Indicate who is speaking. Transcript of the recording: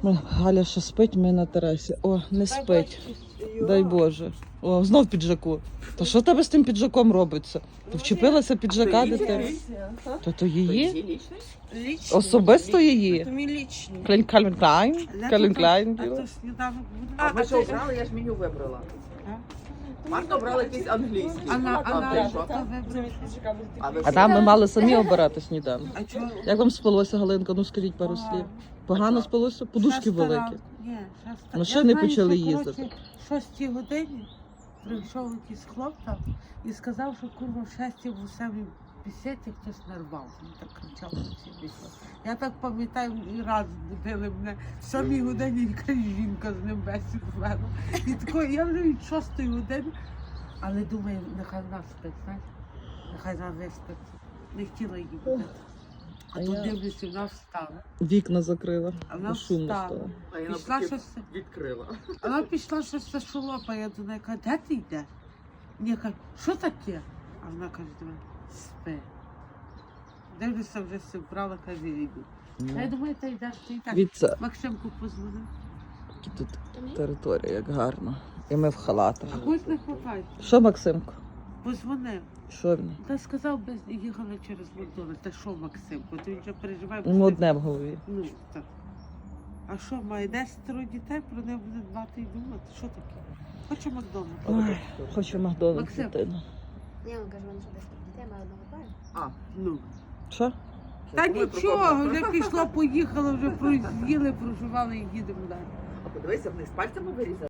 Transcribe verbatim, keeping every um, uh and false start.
Speaker 1: Галя ще спить, ми на терасі. О, не спить. Дай Боже. О, знов в піджаку. Та що в тебе з тим піджаком робиться? Ти вчепилася піджака, дитина? То то її? Особисто її?
Speaker 2: Це мій лічний.
Speaker 1: Клін Кальвін Клайн? Кальвін Клайн.
Speaker 2: А то сніданок буде.
Speaker 3: А ми що обрали, я ж меню вибрала. Марта обрала якийсь англійський.
Speaker 2: А на
Speaker 3: А
Speaker 2: а
Speaker 3: ти
Speaker 2: на
Speaker 3: що?
Speaker 2: хто вибрав?
Speaker 3: А ви
Speaker 1: А там ми мали самі обирати сніданок.
Speaker 2: А чого?
Speaker 1: Як вам спалося, Галинка? Ну скажіть пару слів. Погано спалося? Подушки
Speaker 2: Шеста
Speaker 1: великі.
Speaker 2: ранку. Ні, шеста.
Speaker 1: Машини
Speaker 2: Я знаю,
Speaker 1: почали
Speaker 2: що,
Speaker 1: їздити.
Speaker 2: коротше, в шостій годині прийшов якийсь хлоп там і сказав, що курва в шестій в самій бесіді хтось нарвав. Він так кричав на всі бесіди. Я так пам'ятаю, і раз будили мене в самій годині якась жінка з ним бесіду вела. І тако, я вже від шостої години, але думаю, нехай нас спить, знаєш, нехай нас виспиться. Не хотіла її будити. А
Speaker 1: А
Speaker 2: тут
Speaker 1: я-
Speaker 2: дивлюся, вона встала.
Speaker 1: Вікна закрила.
Speaker 2: А вона
Speaker 1: Шумно
Speaker 2: встала.
Speaker 1: стало.
Speaker 3: А я
Speaker 2: Пішла
Speaker 3: навпаки
Speaker 2: щось.
Speaker 3: відкрила.
Speaker 2: А вона пішла щось за шолопа, я до неї кажу, де ти йдеш? Мені кажу, що таке? А вона каже до мене, спи. Дивлюся, вже все вбрала, каже, я йду. А я думаю, ти йдеш, ти йдеш.
Speaker 1: Віця,
Speaker 2: Максимку позвонив.
Speaker 1: тут територія, як гарно. І ми в халатах.
Speaker 2: А когось не хватає.
Speaker 1: Що, Максимко?
Speaker 2: Позвонив.
Speaker 1: Що він?
Speaker 2: Та сказав, без їхали через Макдональдс. Та що, Максимку, ти вже переживає.
Speaker 1: Ну, одне в голові.
Speaker 2: Ну, так. А що, має десятеро дітей, про неї буде дбати і думати? Що таке? Хоче Макдональдс.
Speaker 1: Ой, хочу Макдональдс,
Speaker 2: Максим.
Speaker 1: дитину.
Speaker 4: Ні, він каже, мене що десь дітей має одного парня.
Speaker 3: А,
Speaker 2: Ну.
Speaker 1: Що?
Speaker 2: Та
Speaker 3: думаю,
Speaker 2: нічого,
Speaker 3: прокопала.
Speaker 2: вже пішло, поїхало, вже з'їли, проживали і їдемо далі.
Speaker 3: а подивися, вниз пальцями вирізали.